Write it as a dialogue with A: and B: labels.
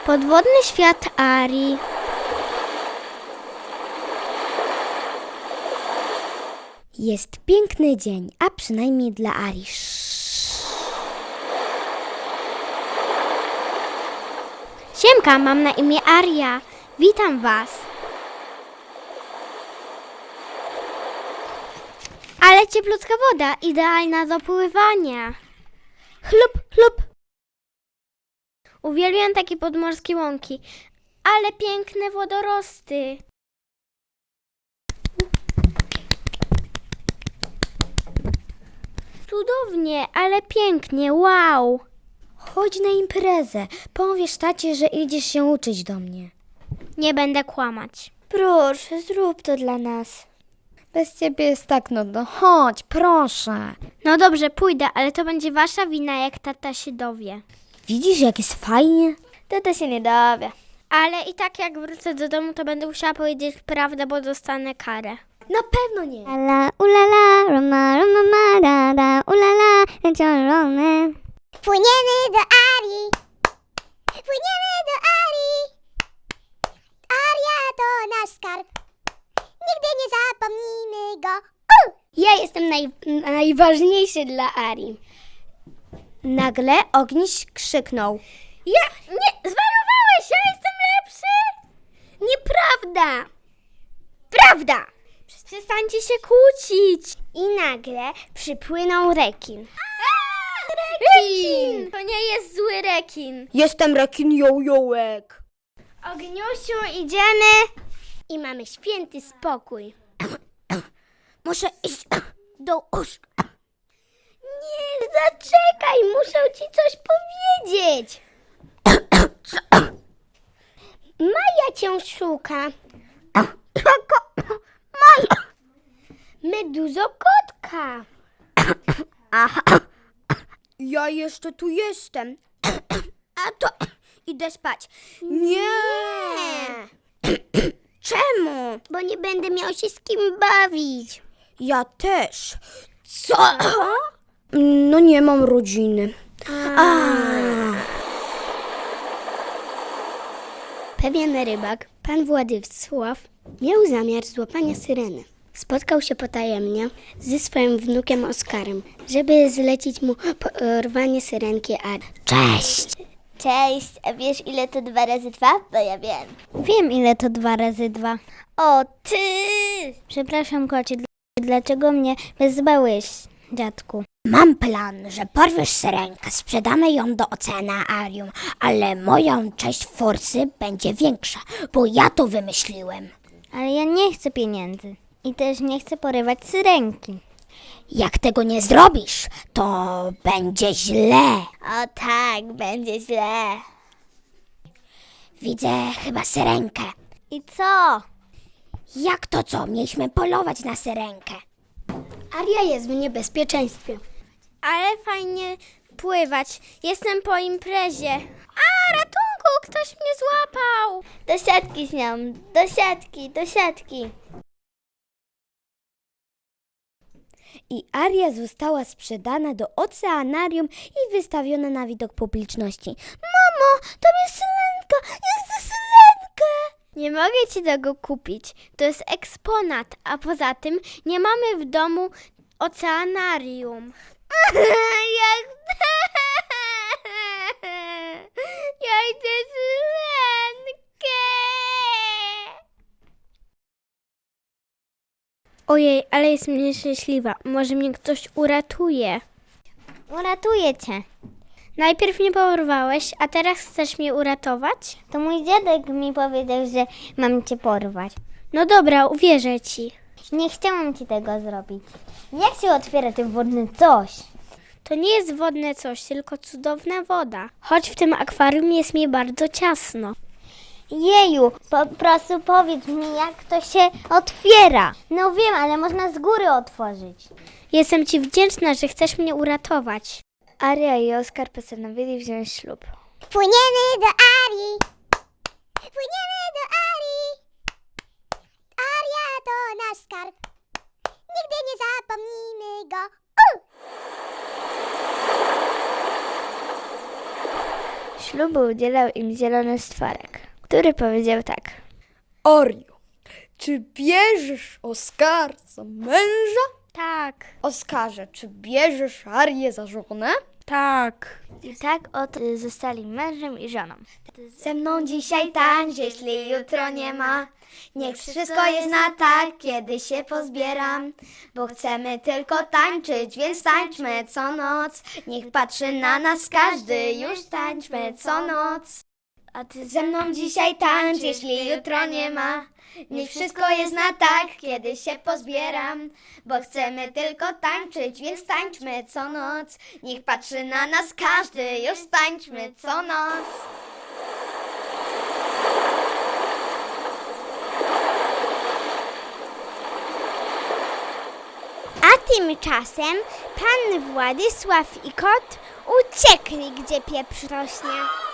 A: Podwodny świat Arii.
B: Jest piękny dzień, a przynajmniej dla Arii.
A: Siemka, mam na imię Aria. Witam was. Ale cieplutka woda, idealna do pływania. Chlup, chlup. Uwielbiam takie podmorskie łąki, ale piękne wodorosty. Cudownie, ale pięknie, wow.
B: Chodź na imprezę. Powiesz tacie, że idziesz się uczyć do mnie.
A: Nie będę kłamać.
B: Proszę, zrób to dla nas. Bez ciebie jest tak nudno. Chodź, proszę.
A: No dobrze, pójdę, ale to będzie wasza wina, jak tata się dowie.
B: Widzisz, jak jest fajnie?
A: Tata się nie dowie. Ale i tak jak wrócę do domu, to będę musiała powiedzieć prawdę, bo dostanę karę.
B: Na pewno nie.
C: La ulala, roma, roma, marada, ulala, ciążone. Płyniemy do Arii. Płyniemy do Arii. Aria to nasz skarb. Nigdy nie zapomnimy go.
B: Ja jestem najważniejszy dla Arii. Nagle Ogniś krzyknął.
A: Nie, zwariowałeś, ja jestem lepszy?
B: Nieprawda!
A: Prawda! Przestańcie się kłócić.
B: I nagle przypłynął rekin.
A: Rekin! To nie jest zły rekin.
B: Jestem rekin jojołek.
A: Ogniusiu, idziemy.
B: I mamy święty spokój. Muszę iść do łóżka. Nie, zaczekaj, muszę ci coś powiedzieć. Maja cię szuka. Maja! Meduzo-kotka. Aha. Ja jeszcze tu jestem. A to idę spać. Nie. Czemu? Bo nie będę miał się z kim bawić. Ja też. Co? No nie mam rodziny. Pewien rybak, pan Władysław, miał zamiar złapania syreny. Spotkał się potajemnie ze swoim wnukiem Oskarem, żeby zlecić mu porwanie syrenki Arii. Cześć!
C: Cześć, a wiesz ile to 2 razy 2? Bo ja wiem.
A: Wiem, ile to 2 razy 2.
C: O ty!
A: Przepraszam, kocie, dlaczego mnie wezwałeś, dziadku?
B: Mam plan, że porwiesz syrenkę, sprzedamy ją do oceanarium, ale moją część forsy będzie większa, bo ja to wymyśliłem.
A: Ale ja nie chcę pieniędzy i też nie chcę porywać syrenki.
B: Jak tego nie zrobisz, to będzie źle.
C: O tak, będzie źle.
B: Widzę chyba syrenkę.
A: I co?
B: Jak to co? Mieliśmy polować na syrenkę. Aria jest w niebezpieczeństwie.
A: Ale fajnie pływać. Jestem po imprezie. A, ratunku! Ktoś mnie złapał!
C: Do siatki z nią, do siatki, do siatki.
B: I Aria została sprzedana do oceanarium i wystawiona na widok publiczności. Mamo, to jest syrenka! Ja chcę syrenkę!
A: Nie mogę ci tego kupić. To jest eksponat, a poza tym nie mamy w domu oceanarium. Ja chcę syrenkę! Ojej, ale jestem nieszczęśliwa. Może mnie ktoś uratuje.
C: Uratuję cię.
A: Najpierw mnie porwałeś, a teraz chcesz mnie uratować?
C: To mój dziadek mi powiedział, że mam cię porwać.
A: No dobra, uwierzę ci.
C: Nie chciałam ci tego zrobić. Jak się otwiera ten wodny coś?
A: To nie jest wodne coś, tylko cudowna woda. Choć w tym akwarium jest mi bardzo ciasno.
C: Jeju, po prostu powiedz mi, jak to się otwiera. No wiem, ale można z góry otworzyć.
A: Jestem ci wdzięczna, że chcesz mnie uratować.
B: Aria i Oskar postanowili wziąć ślub.
C: Płyniemy do Arii. Płyniemy do Arii. Aria to nasz skarb. Nigdy nie zapomnimy go.
B: ślubu udzielał im zielony stworek, który powiedział tak.
D: Orio, czy bierzesz Oskar za męża?
B: Tak,
D: Oskarze, czy bierzesz Arię za żonę?
B: tak. I tak oto zostali mężem i żoną. Ze mną dzisiaj tańcz, jeśli jutro nie ma. Niech wszystko jest na tak, kiedy się pozbieram. Bo chcemy tylko tańczyć, więc tańczmy co noc. Niech patrzy na nas każdy, już tańczmy co noc. A ty ze mną dzisiaj tańcz, jeśli jutro nie ma. Niech wszystko jest na tak, kiedy się pozbieram. Bo chcemy tylko tańczyć, więc tańczmy co noc. Niech patrzy na nas każdy, już tańczmy co noc.
A: A tymczasem pan Władysław i kot uciekli, gdzie pieprz rośnie.